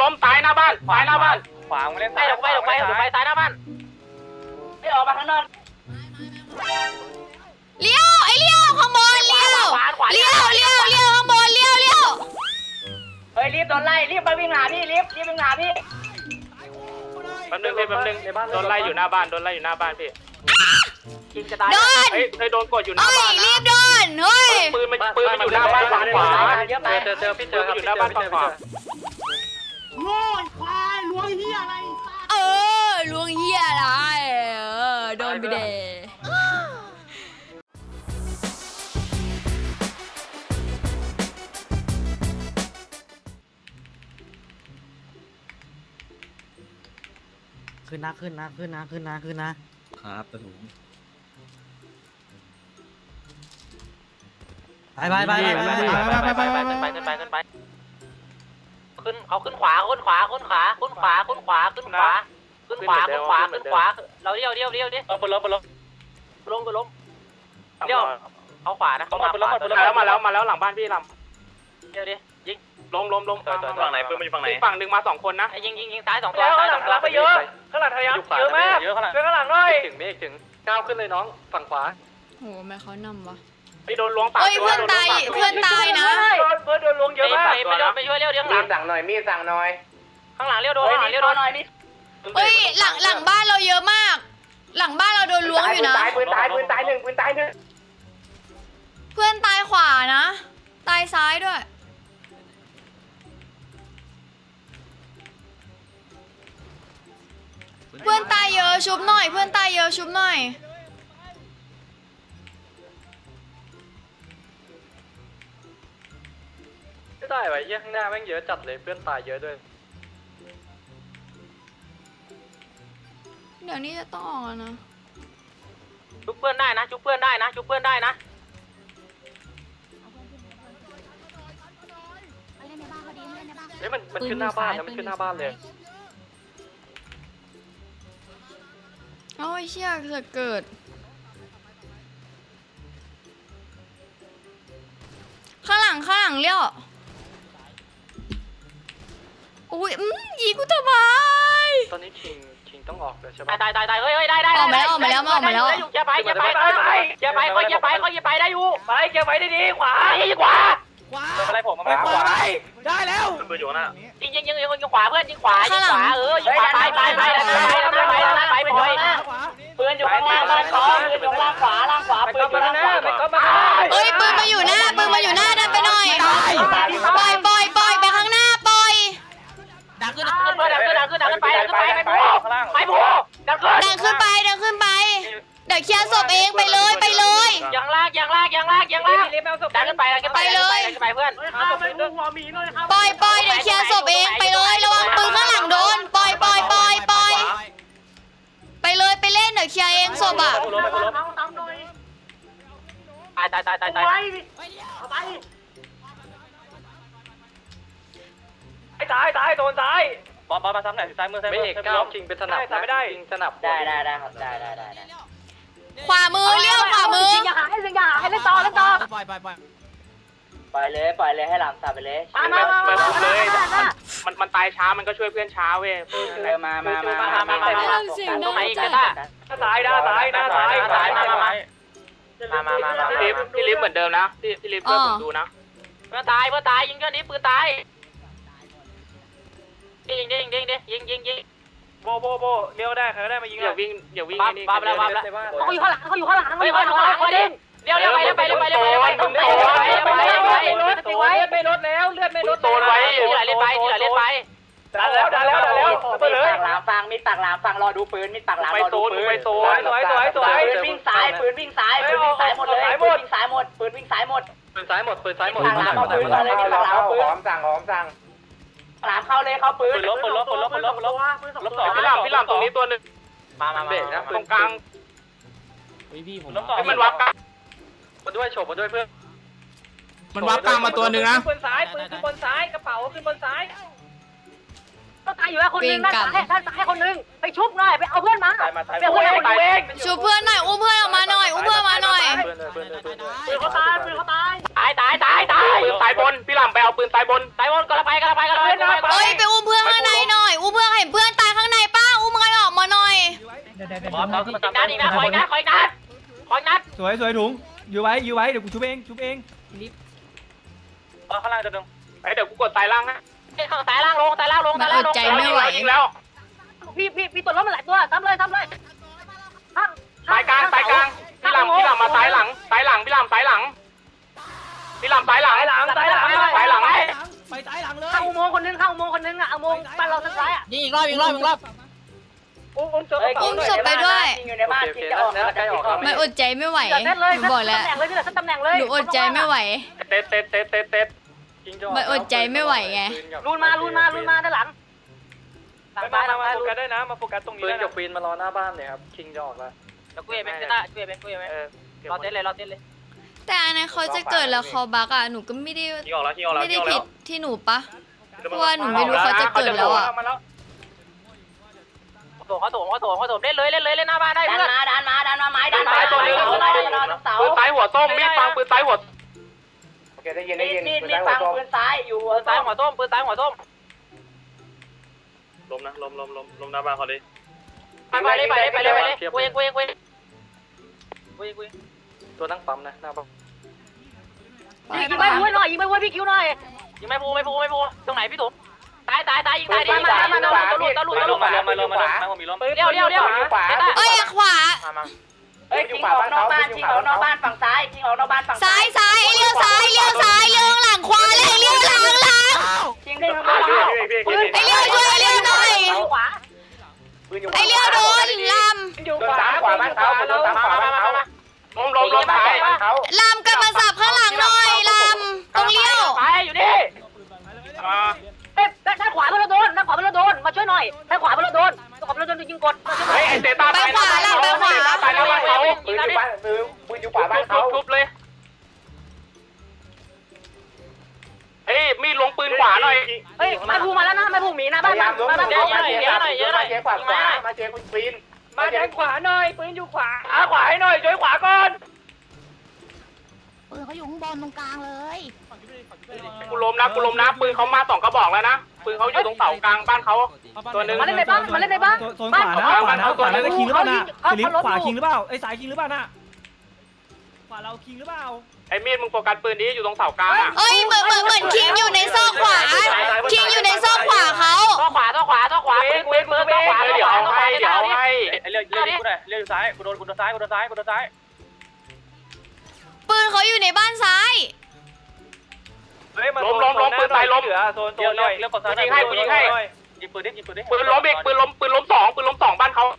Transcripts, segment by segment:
ล้มตายหน้าบ้านตายหน้าบ้านขวางมาเล่นไปตายหน้าบ้านไม่ออกมาข้างนอกเลี้ยวไอ้เลี้ยวข้างบนเลี้ยวข้างบนเลี้ยวเฮ้ยรีบโดนไล่รีบไปวิ่งหาพี่รีบวิ่งหาพี่แป๊บนึงโดนไล่อยู่หน้าบ้านพี่กินจะตายเฮ้ยโดนกดอยู่หน้าบ้านนะรีบโดนเฮ้ยปืนมันอยู่หน้าบ้านฝั่งขวาเจอพี่ครับอยู่หน้าบ้านฝั่งขวาโง่ควายรวยเฮียอะไรลวงเหี้ยอะไรโดนไปเดขึ้นนะครับตะถุงไปขึ้นขวาเราเลี้ยวดิล้มเอาขวานะเขามาแล้วหลังบ้านพี่ลำเดี๋ยวดิยิงล้มฝั่งไหนปืนมันอยู่ฝั่งไหนฝั่งหนึ่งมา2 คนนะยิงซ้าย2 ตัวข้างหลังไปเยอะข้างหลังทะยานเยอะมากช่วยข้างหลังหน่อยถึงก้าวขึ้นเลยน้องฝั่งขวาโหแม่เขานำวะไปโดนล้วงปากเพื่อนตายนะเพื่อนโดนล้วงเยอะมากไปช่วยเลี้ยวข้างหลังสั่งหน่อยมีสั่งหน่อยข้างหลังเลี้ยวโดนหน่อยนี่เฮ้ยหลังบ้านเราเยอะมาก หลังบ้านเราโดนล้วงอยู่นะปืนตาย1เพื่อนตายขวานะตายซ้ายด้วยเพื่อนตายเยอะชุบหน่อยไม่ได้ไว้เยี่ยข้างหน้าแม่งเยอะจัดเลยเพื่อนตายเยอะด้วยเดี๋ยวนี้จะต้องออกแล้วนะชุบเพื่อนได้นะเฮ้ยมันขึ้นหน้าบ้านนะมันขึ้นหน้าบ้านเลยโอ้ยเชี่ยจะเกิดข้างหลังเลี้ยวอุ้ยยิงกูทำไมตอนนี้คิงต้องออกเลยใช่ปะตายเฮ้ยได้ออกมาแล้วอย่าไปได้อยู่ไปอย่าไปดีขวาอะไรผมมาขวาได้แล้วปืนอยู่หน้ายิงขวาเพื่อนยิงขวายิงขวายิงขวาไปปืนอยู่ข้างล่างล่างขวาปืนอยู่ล่างขวาปืนอยู่ล่างขวาเฮ้ยปืนมาอยู่หน้าดันไปหน่อยปล่อยไปข้างหน้าปล่อยดังขึ้นไปบูดังขึ้นไปเดี๋ยวเคลียร์ศพเองไปเลยยังลากดังขึ้นไปเลยเพื่อนปล่อยเดี๋ยวเคลียร์ศพเองไปเลยระวังปืนข้างหลังโดนปล่อยไปเลยไปเล่นเดี๋ยวเคลียร์เองศพอ่ะตายโดนซ้ายบอลมาซ้ำไหนซ้ายมือไม่เอกก้าวคิงเป็นสนับไม่ได้คิงสนับได้ครับได้ขวามือเลี้ยวขวามืออย่าหาให้เล่นต่อปล่อยเลยให้หลังสับไปเลยมาเลยมันตายช้ามันก็ช่วยเพื่อนช้าเว้ยมาตรงไหนอีกตาย พี่ลิฟเหมือนเดิมนะพี่ลิฟช่วยผมดูนะเพื่อนตายยิงแค่นี้ปืนตายยิงโบเลี้ยวได้ใครก็ได้มายิงอย่าวิ่งนี่บ้าแล้วเขาอยู่ข้างหลังเลี้ยวไปรถแล้วเลือดไม่ลดโซนไว้ที่ไหลเล่นไปดันแล้วมีปากหลามฟังรอดูปืนมีปากหลามรอดูปืนไปโซนสวยวิ่งซ้ายหมดเลยปืนวิ่งซ้ายหมดพร้อมสั่งหลามเข้าเลยเข้าปืนลบพี่หลามตรงนี้ตัวนึงมาตรงกลางมันวับกันมาด้วยโฉบมาด้วยเพื่อนมันวับกลางมาตัวนึงนะปืนขึ้นบนซ้ายกระเป๋าขึ้นบนซ้ายก็ตายอยู่แล้วคนนึงด้านซ้ายคนนึงไปชุบหน่อยไปเอาเพื่อนมาไปเอาเพื่อนมาเองชูเพื่อนหน่อยอุ้มเพื่อนออกมาหน่อยปืนเขาตายปืนสายบนพี่หลามไปเอาปืนสายบนก็ละไปเฮ้ยไปอุ้มเพื่อนมานัดอีกนะขออีกนัดขออีกนัดขออีกนัดสวยถุงอยู่ไว้เดี๋ยวกูชุบเองข้างล่างจะดึงเดี๋ยวกูกดสายล่างนะข้างสายล่างลงยิงแล้วพี่ตัวล้มมาหลายตัวทำเลยสายกลางพี่ลำมาสายหลังพี่ลำสายหลังไปสายหลังไปสายหลังเลยเข้าอุโมงค์คนนึงอ่ะอุโมงค์บ้านเราทางซ้ายอ่ะยิงอีกรอบอุ้มศพไปด้วยอยู่ในบ้านที่จะออกแล้วใกล้ออกแล้วมันอดใจไม่ไหวหนูบอกแล้วตำแหน่งเลยหนูอดใจไม่ไหวเต็ดมันอดใจไม่ไหวไงรูนมาด้านหลังมาโฟกัสได้นะมาโฟกัสตรงนี้ปืนกับควีนมารอหน้าบ้านเลยครับคิงจะออกแล้วแล้วกูเอเป็นรอเต้นเลยแต่อันนั้นเขาจะเกิดแล้วเขาบักอ่ะหนูก็ไม่ได้ผิดที่หนูปะเพราะว่าหนูไม่รู้เขาจะเกิดแล้วอ่ะเขาโถมเล่นหน้าบ้านได้เพื่อนดันมาไม้ดันมาตัวนึงปืนซ้ายหัวส้มมีดฟังปืนซ้ายหัวโอเคได้ยินมีดฟังปืนซ้ายอยู่ปืนซ้ายหัวส้มล้มนะล้มหน้าบ้านเขาดิไปเลยกูเองตัวนั่งปั๊มนะหน้าปั๊มยิงไปพูหน่อยยิงไปพูพี่คิวหน่อยยิงไม่พูตรงไหนพี่ตุ๋มตายยิงตายดิมาตะลุมาล้มมีล้มเลี้ยวเอ้ยขวายิงออกนอกบ้านฝั่งซ้ายยิงออกนอกบ้านฝั่งซ้ายเลี้ยวซ้ายเลี้ยวหลังขวาเลี้ยวหลังยิงได้ทั้งหมดไอเลี้ยวช่วยไอเลี้ยวหน่อยไอเลี้ยวโดนลำอยู่ขวาบ้านเขาล้มท้ายเขาลำกลับมาสับข้างหลังหน่อยลำตรงเลี้ยวไปอยู่นี่ด้านขวาเราโดนมาช่วยหน่อยด้านขวาเราโดนยิงกดไอ้เตต้าตายแล้วบ้านเขาปืนอยู่ขวาบ้านเขาทุบเลยเฮ้ยมีลงปืนขวาหน่อยเฮ้ยไม่พูมาแล้วนะไม่พูหมีนะบ้านเยอะหน่อยขวามาเจคุณปีนมาแทงขวาหน่อยปืนอยู่ขวาขวาให้หน่อยช่วยขวาก่อนปืนเขาอยู่ข้างบนตรงกลางเลยกูล้มนะปืนเขามา2 กระบอกแล้วนะปืนเขาอยู่ตรงเสากลางบ้านเขาตัวนึงมาเล่นในบ้านโซนขวาแล้วคิงหรือเปล่านะสิริขวาคิงหรือเปล่าไอ้สายคิงหรือเปล่านะขวาเราคิงหรือเปล่าไอ้มีดมึงโฟกัสปืนนี้อยู่ตรงเสากลางอ่ะเอ้ยเหมือนคิงอยู่ในซอกขวาคิงอยู่ในซอกขวาเขาซอกขวาปืนซอกขวาเดี๋ยวให้เลี้ยวกูหน่อยเลี้ยวซ้ายกูโดนซ้ายปืนเขาอยู่ในบ้านซ้ายล้มปืนตายล้มเหลือโซนเลี้ยวกดซ้ายยิงให้ยิงปืนดิปืนล้มอีกปืนล้ม2บ้านเขา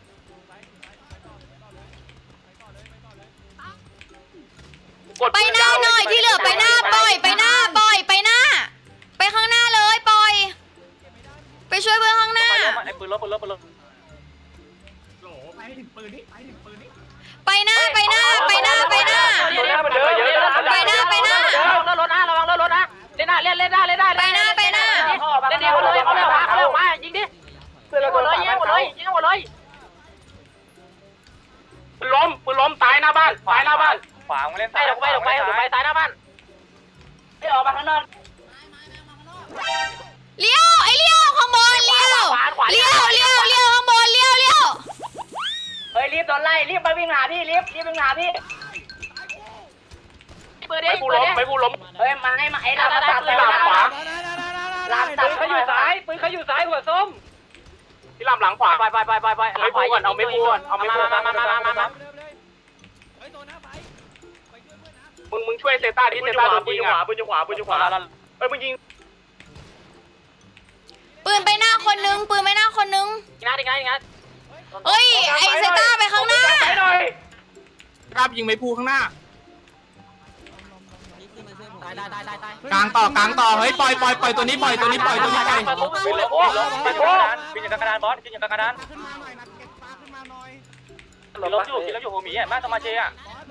ไปหน้าหน่อยที่เหลือไปหน้าปล่อยไปหน้าไปข้างหน้าเลยปล่อยไปช่วยเพื่อนข้างหน้าไอ้ปืนล้มโหไปถึงปืนนี่ไปหน้าระวังรถนะเล่นหน้าเลยเขาเร็วมายิงดิยิงหมดเลยปืนล้มตายหน้าบ้านขวาเล่นซ้ายไปซ้ายหน้าบ้านออกมาข้างนอกเลี้ยวข้างบนเลี้ยวข้างบนเลี้ยวเฮ้ยรีบโดนไล่รีบไปวิ่งหาพี่รีบวิ่งหาพี่ปืนดิไม่พูล้มเฮ้ยมาไอ้ลำตัดเลยลำขวาลำตัดเขาอยู่ซ้ายหัวส้มพี่ลำหลังขวาไปไม่พูก่อนเอาไม่พูมามึงช่วยเซต้าดิเซต้าโดนยิงอ่ะปืนอยู่ขวามึงยิงปืนไปหน้าคนนึงอีกนัดเอ้ยไอเซต้าไปข้างหน้าครับยิงไม่พูข้างหน้ากลางต่อเฮ้ยปล่อยตัวนี้ไปปีนอยู่กลางกระดานบอสปีนอยู่กลางกระดานล้มอยู่โฮมี่อ่ะมาตมาเจอ่ะ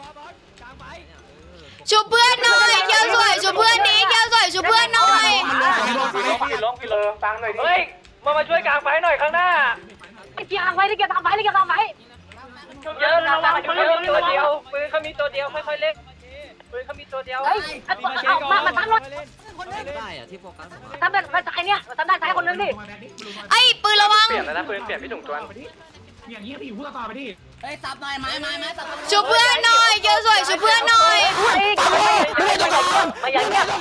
ชูเพื่อนหน่อยเกียวสวยชูเพื่อนนี้เกียวสวยชูเพื่อนหน่อยล้มฟังหน่อยดิเฮ้ยมาช่วยกลางไฟหน่อยข้างหน้าเกียร์กลางไฟเยอะเรามาช่วยตัวเดียวปืนเขามีตัวเดียวค่อยๆเล่นปืนเขามีตัวเดียวเฮ้ยมาทำรถได้อะที่โฟกัสทำแบบซ้ายเนี่ยทำด้านซ้ายคนนึงดิไอ้ปืนระวังเปลี่ยนแล้วนะปืนเปลี่ยนพี่ถุงตัวอย่างนี้พี่อยู่พูดต่อไปดิเฮ้ยซับหน่อยไม้ซับชุบเพื่อนหน่อยเกียวสวยชุบเพื่อนหน่อยไม่ยังเงียบ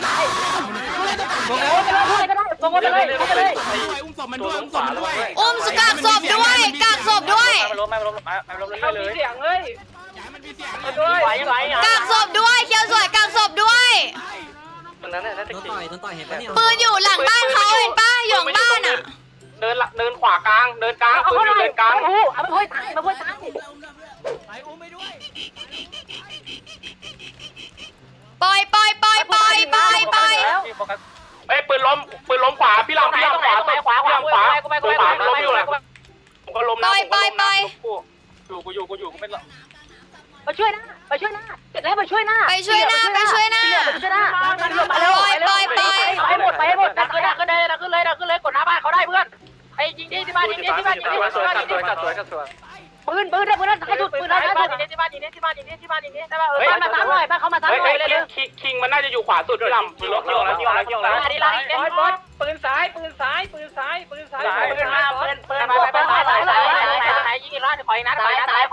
อุ้มศพมันด้วยอุ้มศพมันด้วยอุ้มกากศพด้วยกากศพด้วยไม่ล้มเลยเสียงเฮ้ยอย่าให้มันมีเสียงด้วยไหวกากศพด้วยเกียวสวยกากศพด้วยตรงนั้นน่ะน่าจะโดนขิงต่อยเห็นปะเนี่ยปืนอยู่หลังบ้านเขาเห็นป้าอยู่หลังบ้านอ่ะเดินขวากลางเดินกลางปืนอยู่เดินกลางเอาไปพ่อยตายมาพ่อยตายไปอุ้มไปด้วยปล่อยปล่อยปล่อยปล่อยปล่อยปล่อยเอ้ยปืนล้มขวาพี่ลำขวาพี่ลำขวาปืนขวาล้มอยู่แหละผมก็ล้มนะกูอยู่กูไม่มาช่วยหน้าเสร็จแล้วมาช่วยหน้าไปช่วยหน้าไปช่วยหน้ามาเร็วไปหมดดักขึ้นเลยกดหน้าบ้านเขาได้เพื่อนไอ้ยิงที่บ้านยิงที่บ้านปืนได้ท้ายสุดปืนได้ท้ายสุดที่บ้านได้ป่ะบ้านมาซ้ำหน่อยบ้านเขามาซ้ำหน่อยเลยคิงมันน่าจะอยู่ขวาสุดพี่ลำปืนล้มแล้วดีไลน์บอสปืนซ้ายปืนมาปืนซ้ายยิงอีกรอบถอยนัด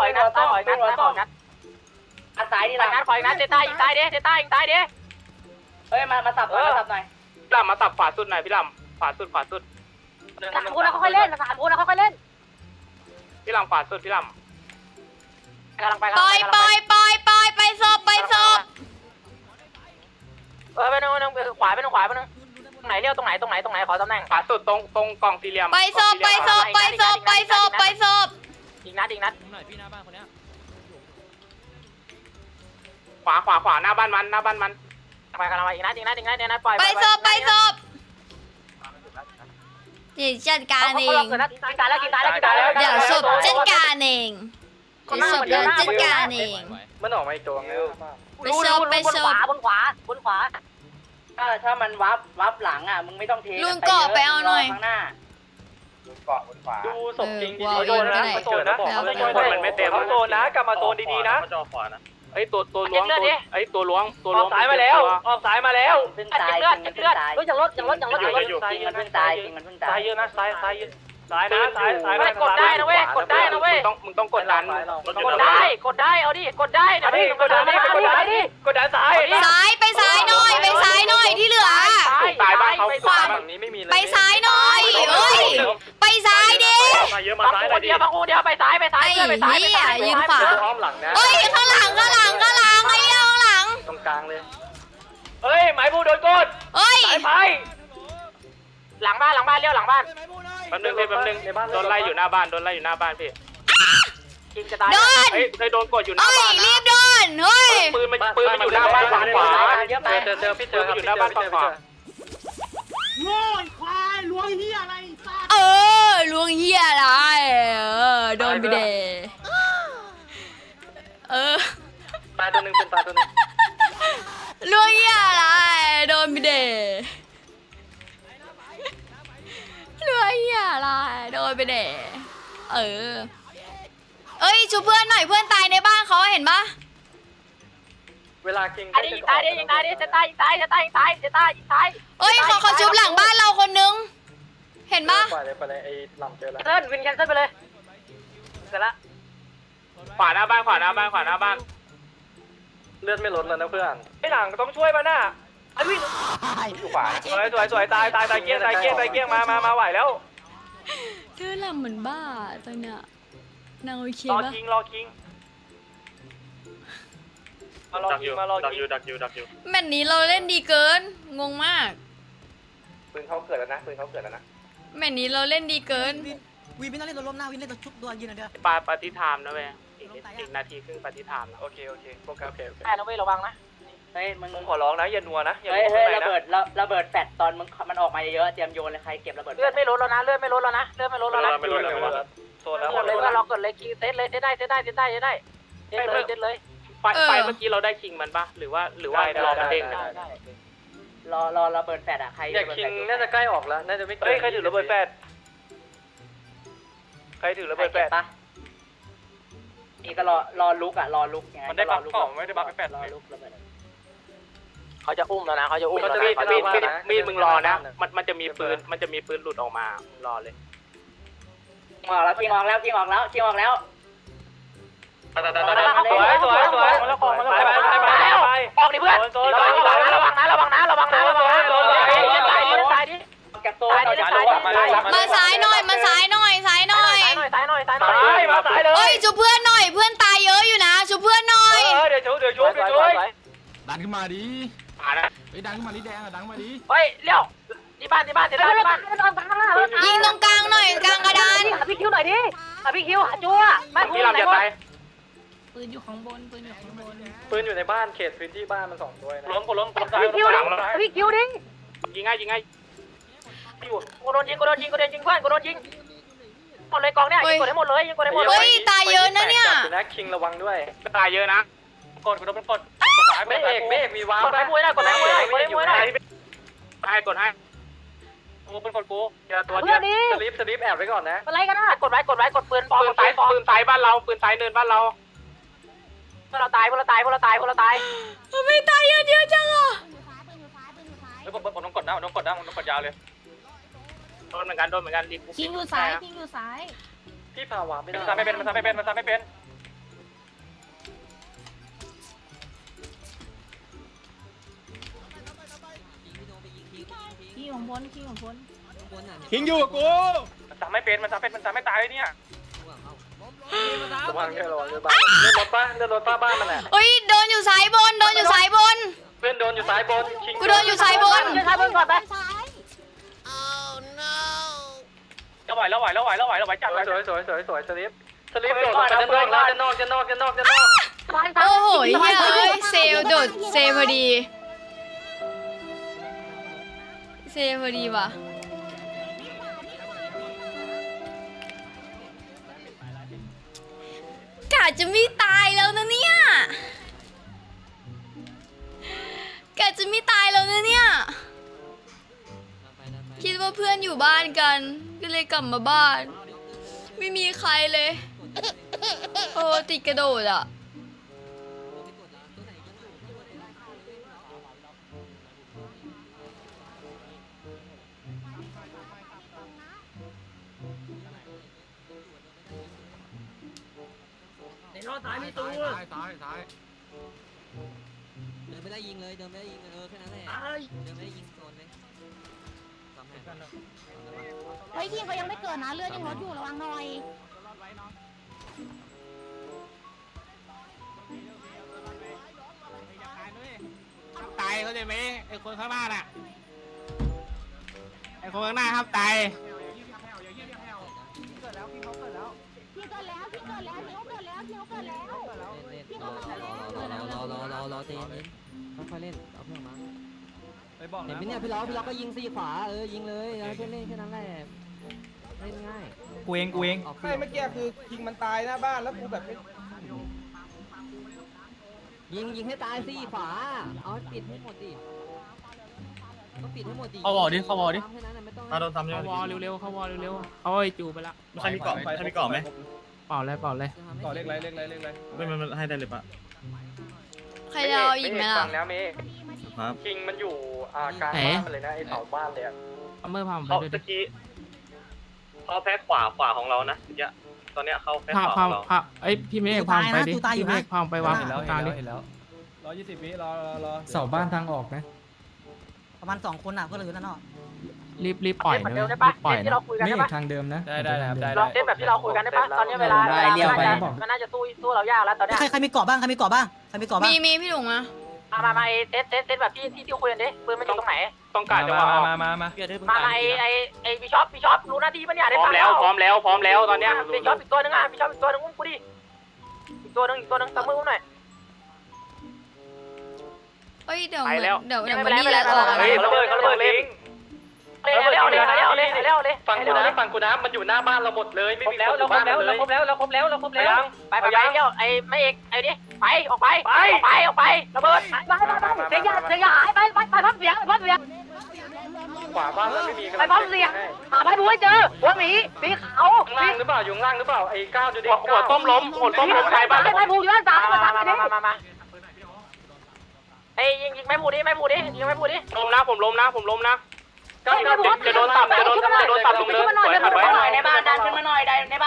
อันซ้ายนี่ละนัดถอยนัดเตต้ายิงตายเด้เฮ้ยมาสับหน่อยพี่ลำมาสับขวาสุดหน่อยพี่ลำขวาสุดสามคนค่อยเล่นพี่ลำขวาสุดพี่ลำกำลังไปปล่อยปล่อยปล่อยปล่อยไปศพไปศพไปนึงขวาไปนึงตรงไหนเลี้ยวตรงไหนขอตำแหน่งขวาสุดตรงกล่องสี่เหลี่ยมไปศพไปศพไปศพไปศพไปศพอีกนัดหน่อยพี่หน้าบ้านคนเนี้ยขวาหน้าบ้านมันไปกำลังไปอีกนัดปล่อยไปศพไปศพเดี๋ยวจัดการเองกินตายแล้วเดี๋ยวศพจัดการเองเดี๋ยวศพเดี๋ยวจัดการเองมันออกมาอีกตัวนึงไปศพไปศพบนขวาถ้ามันวับหลังอ่ะมึงไม่ต้องเทลุงเกาะไปเอาหน่อยข้างหน้าเกาะบนขวาดูศพจริงโดนนะคนมันไม่เต็มเขาโซนนะกลับมาโซนดีๆนะไอ้ตัวล้วงไอ้ตัวล้วงออกสายมาแล้วเพิ่งตายเลือดอย่างรถมันเพิ่งตายซ้ายเยอะนะซ้ายไม่กดได้นะเว้ยมึงต้องกดดันกดได้เอาดิกดได้กดดันซ้ายซ้ายไปซ้ายหน่อยไปซ้ายหน่อยที่เหลือตายบ้านเขาฝั่งนี้ไม่มีเลยไปซ้ายหน่อยเอ้ยไปซ้ายดิเดียวไปซ้ายไอ้เหี้ยยืนขวาอ้อมหลังนะเอ้ยข้างหลังไอ้เหี้ยข้างหลังตรงกลางเลยเฮ้ยหมายผู้โดนกดเอ้ยไปหลังบ้านเลี้ยวหลังบ้านแป๊บนึงโดนไล่อยู่หน้าบ้านพี่กินจะตายโดนเฮ้ยเคยโดนกดอยู่หน้าเอ้ยบ้านรีนะบโดนเฮ้ยปืนมันอยู่หน้าบ้านฝั่งขวาเจอพี่เจอครับอยู่หน้าบ้านฝั่งขวาโง่ควายล้วงเฮียอะไรสัตว์ลวงเหี้ยอะไรโดนไปเดตายตัวนึงเป็นตายตัวนึงลวงเหี้ยอะไรโดนไปเดลวงเหี้ยอะไรโดนไปเดเอ้ยชูเพื่อนหน่อยเพื่อนตายในบ้านเขาเห็นปะเวลากิงยิงตายจะตายเอ้ยเขาชุบหลังบ้านเราคนนึงเห็นปะไปเลยไอ้ลำเจอแล้ววินแคนเซิลไปเลยเสร็จละขวาหน้าบ้านเลือดไม่ลดแล้วนะเพื่อนไอ้หลังต้องช่วยมาหน้าไอ้วิ่งอยู่ขวาสวยตายเกี้ยงมาไหวแล้วเธอลำเหมือนบ้าตอนเนี้ยนางโอเครอปะคิงมารอคิงดักอยู่แมตช์นี้เราเล่นดีเกินงงมากปืนเขาเกิดแล้วนะแมตช์นี้เราเล่นดีเกินวินไม่ต้องเล่นตัวล้มหน้าวินเล่นตัวชุบตัวยืนหน่อยเด้อปฏิธามนะเว้ยอีกนาทีครึ่งปฏิธามนะโอเคโอเคได้นะเว้ยระวังนะเฮ้ยมึงขอร้องนะอย่านัวนะเฮ้ยระเบิดแฟดตอนมันออกมาเยอะเตรียมโยนเลยใครเก็บระเบิดเลือดไม่ลดแล้วนะโซนแล้วเรากดเลยคิงเซตได้เลยไฟเมื่อกี้เราได้คิงมันปะหรือว่ารอมันเด้งนะรอระเบิดแฟดอ่ะใครเนี่ยคิงน่าจะใกล้ออกแล้วน่าจะไม่เฮ้ยใครถือระเบิดแฟดปะนี่ก็รอลุกยังไงมันได้บัฟกล่องไม่ได้บัฟแฟดรอลุกระเบิดเขาจะอุ้มแล้วนะเขาจะอุ้มมีดมึงรอนะมันจะมีปืนหลุดออกมารอเลยออกแล้วชิงออกแล้วชิงออกแล้วชิงออกแล้วสวยสวยสวยแล้วของมันแล้วออกดิเพื่อนระวังนะระวังนะระวังนะระวังนะตายดิตายดิแกโซ่มาซ้ายหน่อยมาซ้ายหน่อยซ้ายหน่อยตายหน่อยตายหน่อยมาตายเลยเอ้ยชูเพื่อนหน่อยเพื่อนตายเยอะอยู่นะชูเพื่อนหน่อยเดี๋ยวช่วยดันขึ้นมาดิเฮ้ยดันขึ้นมาดิแดงอะดันมาดิเฮ้ยเลี้ยวที่บ้านที่บ้านที่บ้านที่บ้านยิงตรงกลางหน่อยกลางกระดานหาพี่คิวหน่อยดิหาพี่คิวหาจั่วไม่พูดไหนวะปืนอยู่ข้างบนปืนอยู่ข้างบนปืนอยู่ในบ้านเขตพื้นที่บ้านมัน2ตัวนะล้มซ้ายพี่คิวดิพี่คิวดิยิงง่ายยิงง่ายกูโดนยิงเพื่อนกูโดนยิงหมดเลยกองเนี่ยยิงกดให้หมดเลยยิงกดให้หมดเลยเฮ้ยตายเยอะนะเนี่ยนะคิงระวังด้วยตายเยอะนะกดไม่เอกมีว้าวกดให้มวยได้กดให้มวยได้กดให้มวยได้ให้กดให้กูเป็นคนกูเจอตัวเดียวสลิปแอบไว้ก่อนนะอะไรกันนะกดไว้กดปืนปอปืนซ้ายบ้านเราปืนซ้ายเนินบ้านเราพวกเราตายไม่ตายเยอะจังอ่ะปืนอยู่ซ้ายปืนอยู่ซ้ายผมต้องกดยาวเลยโดนเหมือนกันดีคิงอยู่ซ้ายคิงอยู่ซ้ายพี่พาวาไม่ได้มันซ้ำไม่เป็นคิงของบนคิงของบนคิงอยู่กับกูมันซ้ำไม่ตายเนี่ยระวังแค่ระวังเรือบ้านเรือรถป้าบ้านมันแหละเฮ้ยโดนอยู่ซ้ายบนโดนอยู่ซ้ายบนเพื่อนโดนอยู่ซ้ายบนกูโดนอยู่ซ้ายบนใช้ปืนก่อนไปซ้ายจะไหวจับสวยสลิปโดดจะนอกโอ้โหเฮ้ยเซลโดดเซพอดีว่ะกะจะไม่ตายแล้วนะเนี่ยคิดว่าเพื่อนอยู่บ้านกันก็เลยกลับมาบ้านไม่มีใครเลยโอ้ติดกระโดดอ่ะซ้ายเดินไม่ได้ยิงเลยแค่นั้นแหละเดินไม่ได้ยิงโซนเลยเฮ้ยคิงเขายังไม่เกิดนะเลือดยังลดอยู่ระวังหน่อยตายเขาใจไหมไอ้คนข้างหน้าน่ะไอ้คนข้างหน้าครับตายพี่เกิดแล้วคิงเขาเกิดแล้วคิงเขาเกิดแล้วคิงเขาเกิดแล้วรอเต้นค่อยเล่นเอาเพื่อนมาไปบอกเห็นนะไหมเนี่ยพี่ล้อก็ยิงซีขวายิงเลยเพื่อนเล่นแค่นั้นแหละเล่นง่ายกูเองไม่เมื่อกี้คือคิงมันตายหน้าบ้านแล้วกูแบบยิงให้ตายซีขวาเอาปิดให้หมดดิต้องปิดให้หมดดิเข้าวอดิมาโดนทำยังไงเข้าวอลเร็วเข้าไอ้จูไปละใครมีเกาะไหมเปล่าเลยต่อเลขไรมันให้ได้เลยปะใครจะเอาอีกไหมล่ะฟังแล้วเมย์ครับคิงมันอยู่กลางบ้านมันเลยนะไอ้เสาบ้านเลยเอาเมื่อพาผมไปเขาด้วยตะกี้เขาแพ้ขวาของเรานะตอนเนี้ยเขาแพ้ขวาของเราพาไอ้พี่เมฆพาไปดิพี่เมฆพาไปวางเห็นแล้วกลางดิ 120 วิรอเสาบ้านทางออกนะประมาณ2คนอ่ะเพื่อนเหลือนั่นเนาะรีบปล่อยนะรีบปล่อยที่นะเราคุยกันไม่ได้อีปะกทางเดิมนะได้ครับได้เราเล่นแบบที่เราคุยกันได้ปะตอนนี้เวลามันน่าจะสู้เรายากแล้วตอนนี้ใครมีเกาะบ้างมีเกาะบ้างมีพี่ถุงอะมาเต้นแบบที่คุยกันดิปืนมันอยู่ตรงไหนต้องการจังหวะมามาไอ้บิชอปรู้หน้าที่ปะเนี่ยได้พร้อมแล้วตอนเนี้ยบิชอปอีกตัวนึงบิชอปอีกตัวนึงอุ้มกูดิอีกตัวนึงตะมืออุ้มหน่อยเอ้ยเดี๋ยวมันนี่แล้วออกเฮ้ยระเบิดลิงเร็วเลยฟังกูนะมันอยู่หน้าบ้านเราหมดเลยไม่มีแล้วเราครบแล้วไปไอ้ไม่เอกไอ้นี่ไปออกไประเบิดเสียหายไปพับเสียงขวาบ้านแล้วไม่มีไปพับเสียงหาไปบุ้ยเจอหัวหมีสีขาวข้างล่างหรือเปล่าอยู่ข้างล่างหรือเปล่าไอ้ก้าวดูดิหัวต้มล้มใครบ้างไปผูอยู่ด้านซ้ายมาไอ้ยิงไม่ผูดิยิงไม่ผูดิล้มนะผมล้มนะจะโดนตับตรงเนินในบ้านดันขึ้นมาหน่อยใน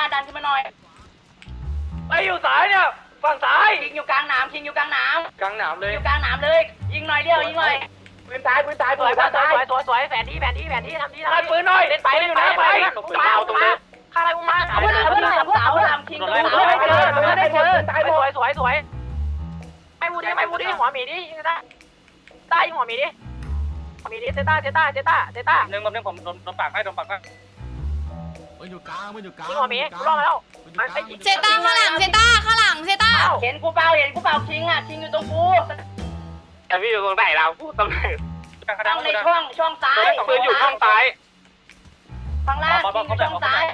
ไอ้อยู่สายเนี่ยฝั่งซ้ายคิงอยู่กลางหนามคิงอยู่กลางหนามกลางหนามเลยอยู่กลางหนามเลย ยิงหน่อยเดียวยิงหน่อยปืนตายสวยสวยสวยแผนที่ทำที่ปืนหน่อยเล่นไปอยู่นะไปเอาตรงนี้ข้าอะไรมึงมาเอาเสาลำคิงตรงได้เจอตายสวยไอ้มูดิหัวหมีดิยิงได้ได้ยิงหัวหมีดิเซต้าหนึ่งผมโดนปากให้มันอยู่กลางมันอยู่กลางยิงหัวหมีรอดแล้วเซต้าข้างหลังเซต้าข้างหลังเซต้าเห็นกูเปล่าคิงอ่ะคิงอยู่ตรงกูแต่พี่อยู่ตรงไหนเราพูดตำแหน่งต้องในช่องซ้ายปืนอยู่ช่องซ้ายข้างล่างคิงอยู่ช่องซ้าย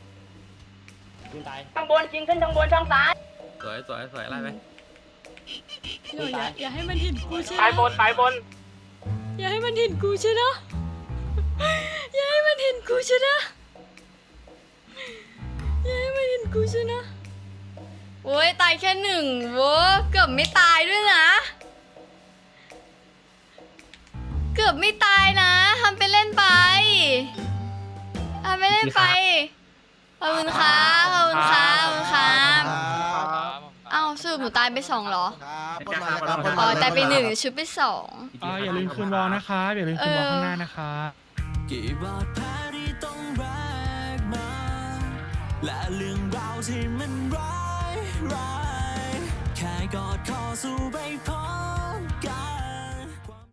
ข้างบนคิงขึ้นข้างบนช่องซ้ายสวยไล่ไปอย่าให้มันเห็นกูใช่ไหมซ้ายบนอย่าให้มันเห็นกูใช่ไหมอย่าให้มันเห็นกูใช่ไหมอย่าให้มันเห็นกูใช่ไหมโอ้ยตายแค่หนึ่งโว้เกือบไม่ตายด้วยนะ เกือบไม่ตายนะทำไปเล่นไปขอบคุณครับอ้าวสรุปหนูตายไป2เหรออ๋อตายไป1ชุดไป2 อย่าลืมคืนวอลนะคะอย่าลืมคืนวอลข้างหน้านะคะกี่บาดแผลที่ต้องแบกมาและเรื่องราวที่มันร้ายแค่กอดคอสู้ไปพร้อมกัน